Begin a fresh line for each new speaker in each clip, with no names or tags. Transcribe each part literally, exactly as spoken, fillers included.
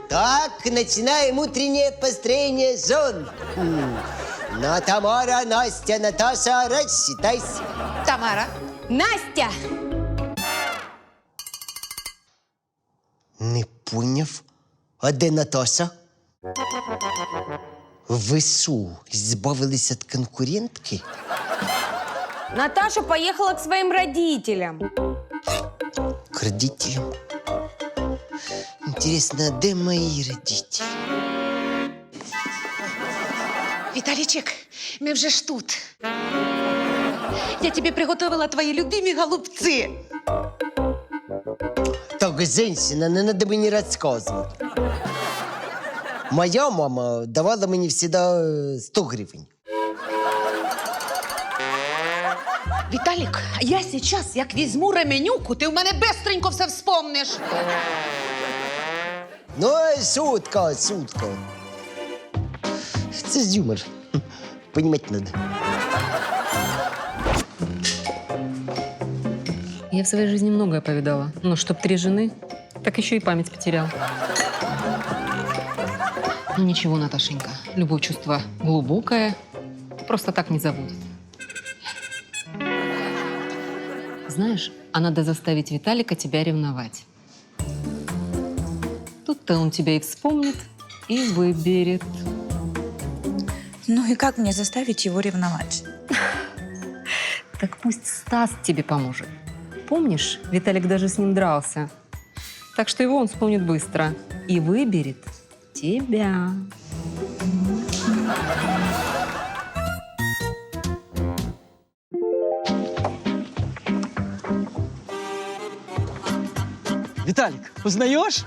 Так, начинаем утреннее построение зон. М. Ну, Тамара, Настя, Наташа, рассчитайся.
Тамара.
Настя!
Не поняв. А де Наташа? Ви що, збавились від конкурентки?
Наташа поехала к своим родителям.
К родителям? Интересно, а де мої родителі?
Виталичек, мы вже ж тут. Я тебе приготовила твои любимые голубцы.
Так, женщина, не надо мені розказувати. Моя мама давала мені завжди сто гривень.
Виталик, я сейчас, як візьму ременюку, ти в мене бистренько все вспомниш.
Ну, шутка, шутка. Це ж юмор. Понімати надо.
Я в своей жизни многое повидала. Но чтоб три жены, так еще и память потерял. Ну ничего, Наташенька, любое чувство глубокое, просто так не забудет. Знаешь, а надо заставить Виталика тебя ревновать. Тут-то он тебя и вспомнит, и выберет.
Ну и как мне заставить его ревновать?
Так пусть Стас тебе поможет. Помнишь, Виталик даже с ним дрался. Так что его он вспомнит быстро и выберет тебя.
Виталик, узнаешь?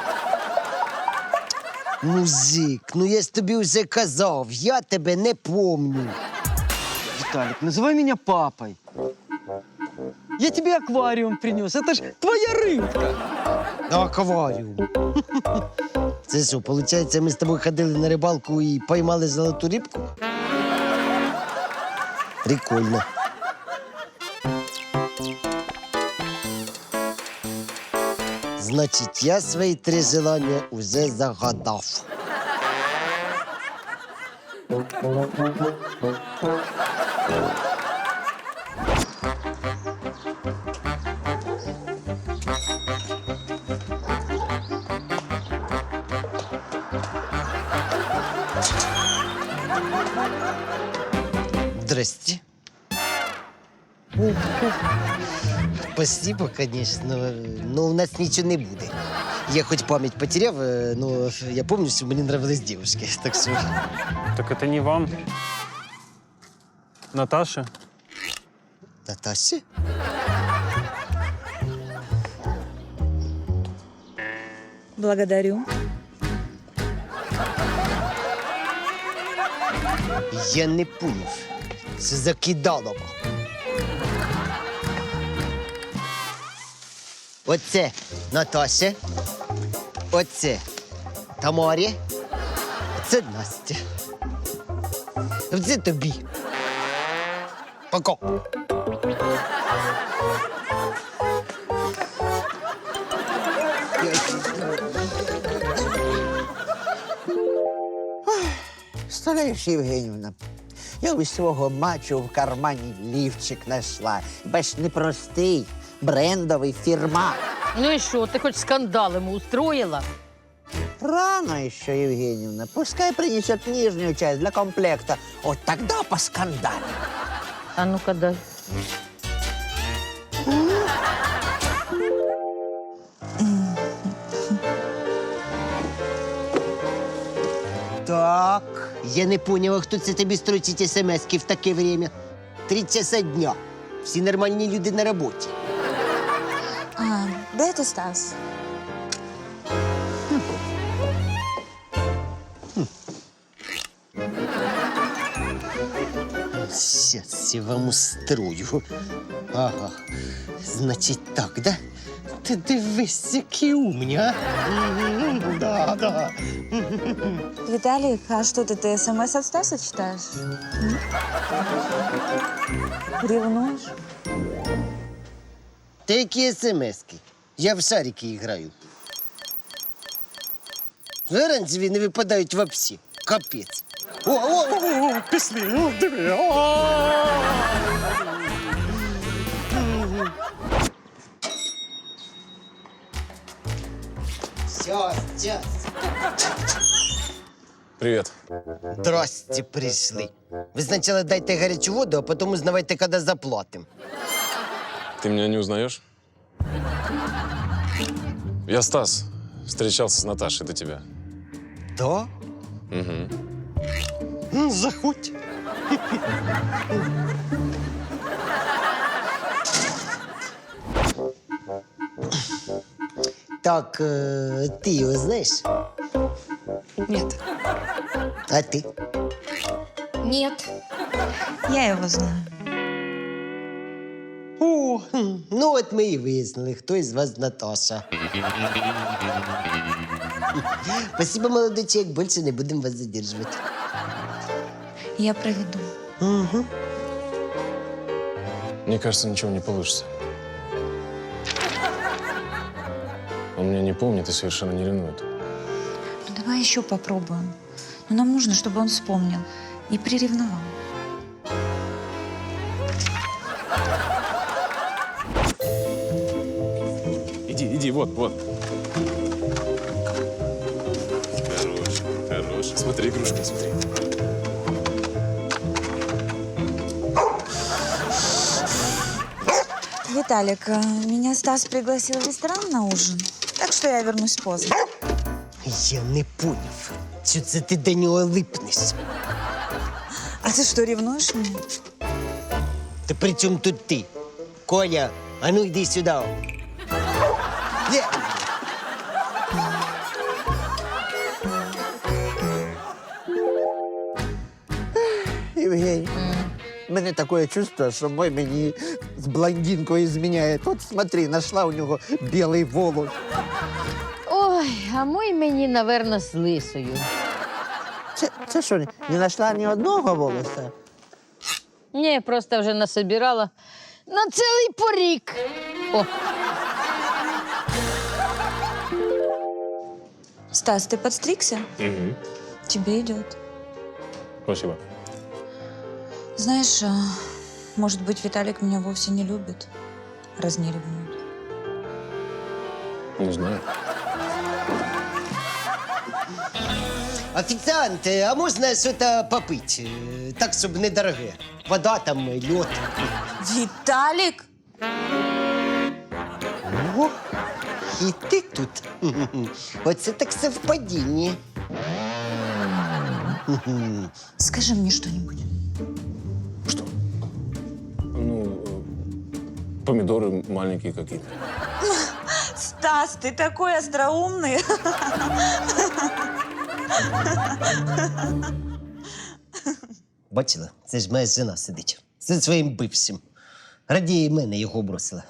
Музик, ну я ж тобі вже казав, я тебе не помню.
Виталик, называй меня папой. Я тебе аквариум принес. Это ж твоя рыбка.
Акваріум. Це що, виходить, ми з тобою ходили на рибалку і поймали золоту рибку? Прикольно. Значить, я свої три желання уже загадав. Здрасте. Спасибо, конечно, но у нас ничего не буде. Я хоть память потеряв, но я помню, что мне нравились девушки, так что...
Так это не вам. Наташа.
Наташа?
Благодарю.
Я не поняв. Це закидалово. Оце Наташа. Оце Тамарі. Оце Настя. Оце тобі. Пока.
Представляєш, Євгенівна, я ось свого мачо в кармані лівчик знайшла. Бач, не простий, брендовий, фірма.
Ну и что, ты хоть скандал ему устроила?
Рано ще, Євгенівна. Пускай принесет нижнюю часть для комплекта. Вот тогда поскандалим.
А ну-ка дай.
Так, я не поняла, хто це тобі строчить смс-ки в таке время. Три часа дня. Всі нормальні люди на роботі.
А, де ти, Стас?
Сейчас я вам устрою. Ага. Значить так, да? Ти дивись, які умні, а? М, Да, да.
Виталик, а что ты, ты смс от Стаса читаешь? М? Ревнуешь?
Та які смс-ки? Я в шарики граю. Оранжеві не випадають вообще. Капець. О, о, о, о, пішли, о, диви. О! Сейчас, сейчас.
Привет.
Здрасте, пришли. Ви спочатку дайте гарячу воду, а потім узнавайте, коли заплатимо.
Ты меня не узнаешь? Я Стас. Встречался с Наташей до тебя.
Да?
Угу.
Ну, заходь. Так, э, ты его знаешь?
Нет.
А ты?
Нет.
Я его знаю.
О, хм, ну от ми і вияснили, хто із вас Наташа. Спасибо, молодой человек, більше не будемо вас задержувати.
Я проведу.
Угу.
Мне кажется, ничего не получится. Он меня не помнит и совершенно не ревнует.
Ну, давай еще попробуем. Но нам нужно, чтобы он вспомнил и приревновал.
Иди, иди, вот, вот. Хорош, хорош. Смотри, игрушка, смотри.
Виталик, э, меня Стас пригласил в ресторан на ужин, так что я вернусь поздно.
Я не поняв, що це ти до нього липнеш.
А ты что, ревнуешь меня?
Та при чому тут ти? Коля, а ну йди сюди. Є.
Євгеній, у мене таке чувство, що мой мені з блондинкою зміняє. От смотри, знайшла у нього білий волос.
Ой, а мой мені, наверно, з лисою.
Це, це що, не знайшла ні одного волоса?
Ні, просто вже насобирала на цілий порік. О,
Стас, ты подстригся?
Угу.
Тебе идет.
Спасибо.
Знаешь, а, может быть, Виталик меня вовсе не любит, раз не ревнует.
Не знаю.
Офіціант, а можна щось попити? Е, Так, щоб недороге. Вода там, льод.
Виталик?
О, і ти тут. Оце так совпадіння.
Скажи мне что-нибудь.
Что? Ну, э, помидоры маленькие какие-то.
Стас, ты такой остроумный.
Бачила, це ж моя жена сидить. Зі своїм бившим. Радіє мене його бросила.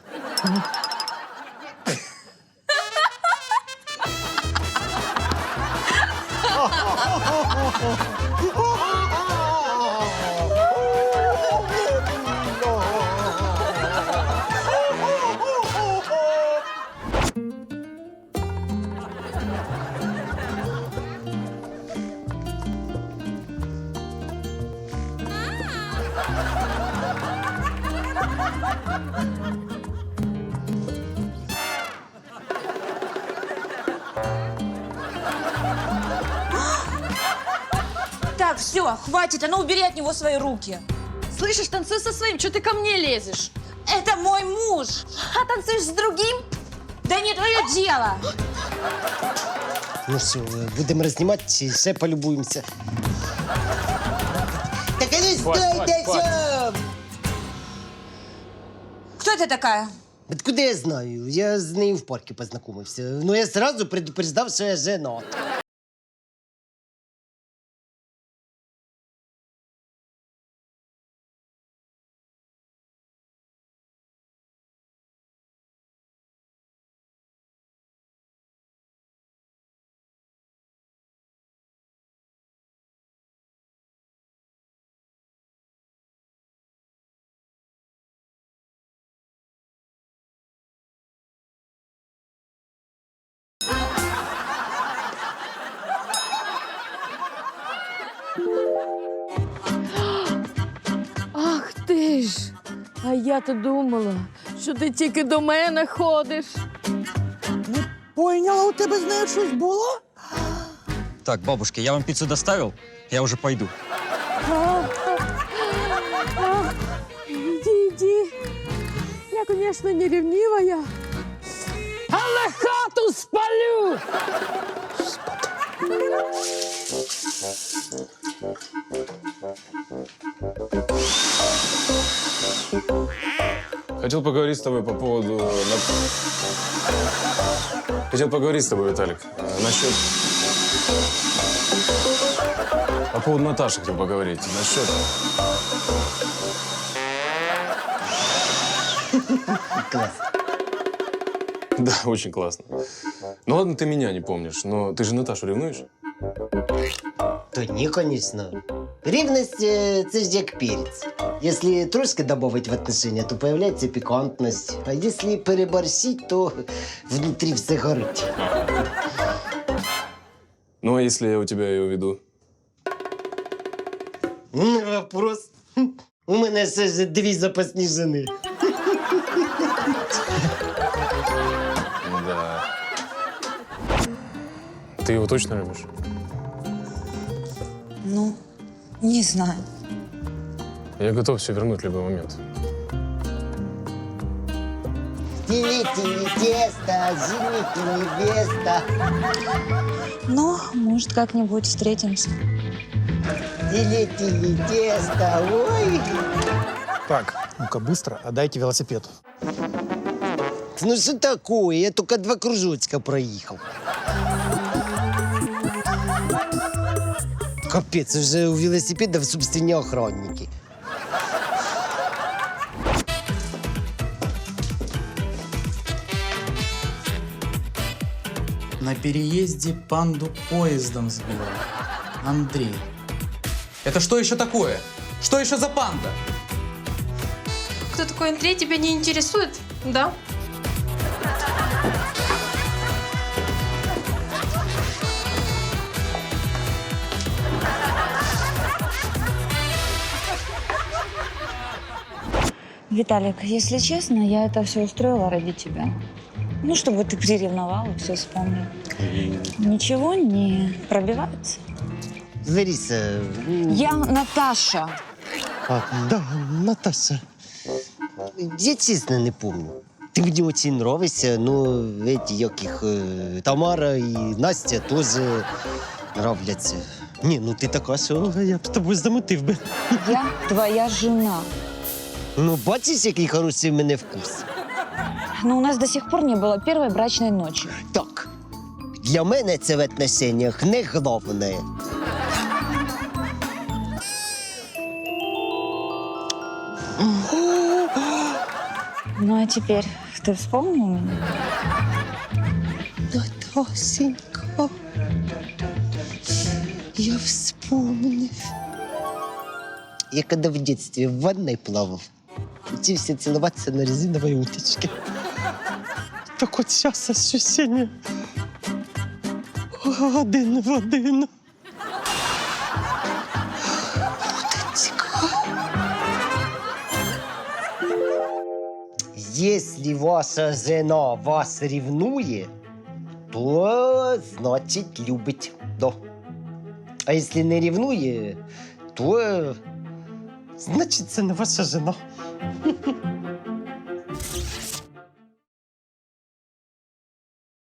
Так, все, хватит, а ну убери от него свои руки.
Слышишь, танцуй со своим, что ты ко мне лезешь?
Это мой муж.
А танцуешь с другим?
Да не твое дело.
Ну що, будемо рознімати чи ще полюбуємося? Так а ну стойте сам!
Кто это такая?
Откуда я знаю? Я з нею в парку познайомився. Ну я сразу предупреждав, що я женат.
А я-то думала, що ти тільки до мене ходиш.
Поняла, у тебе з нею щось було?
Так, бабушка, я вам пиццу доставил, я уже пойду.
Іди, іди. Я, звісно, не ревнивая, але хату спалю.
Хотел поговорить с тобой по поводу... на- Хотел поговорить с тобой, Виталик, э, насчет... По поводу Наташи хотел поговорить. Насчет...
Клас.
Да, очень классно. Ну ладно, ты меня не помнишь, но ты же Наташу ревнуешь?
То ні, звісно. Рівність е, – це ж як перець. Якщо трошки додати в отношения, то появляється пікантність. А якщо переборщить, то внутрі все горить.
Ну, а если я у тебя ее веду?
Не вопрос. У мене ще ж дві запасні жени.
Да. Ты его точно любишь?
Ну, не знаю.
Я готов все вернуть в любой момент.
Тили-тили тесто, жених и невеста.
Ну, может, как-нибудь встретимся.
Тили-тили тесто, ой.
Так, ну-ка быстро отдайте велосипед.
Ну что такое? Я только два кружочка проехал. Капец, уже у велосипедов собственные охранники.
На переезде панду поездом сбил. Андрей. Это что еще такое? Что еще за панда?
Кто такой Андрей, тебя не интересует, да?
Виталик, если честно, я это все устроила ради тебя. Ну, чтобы ты приревновал и все вспомнил. Ничего не пробивается?
Лариса...
Я Наташа.
А, да, Наташа. Я честно не помню. Ты мне очень нравишься, но эти, яких, э, Тамара и Настя тоже нравляться. Не, ну ты така, що я б з тобою замутив би.
Я твоя жена.
Ну, бачиш, який хороший в мене вкус.
Но у нас до сих пор не было первой брачной ночи.
Так, для мене це в отношениях не головне.
Ну, а теперь ты вспомнил меня?
Наташенька, я вспомнив. Я когда в детстве в ванной плавал, учился целоваться на резиновой уточке. Так от сейчас ощущение один в один. Уточка. Если ваша жена вас ревнує, то значить любить. Да. А если не ревнує, то значить це не ваша жена.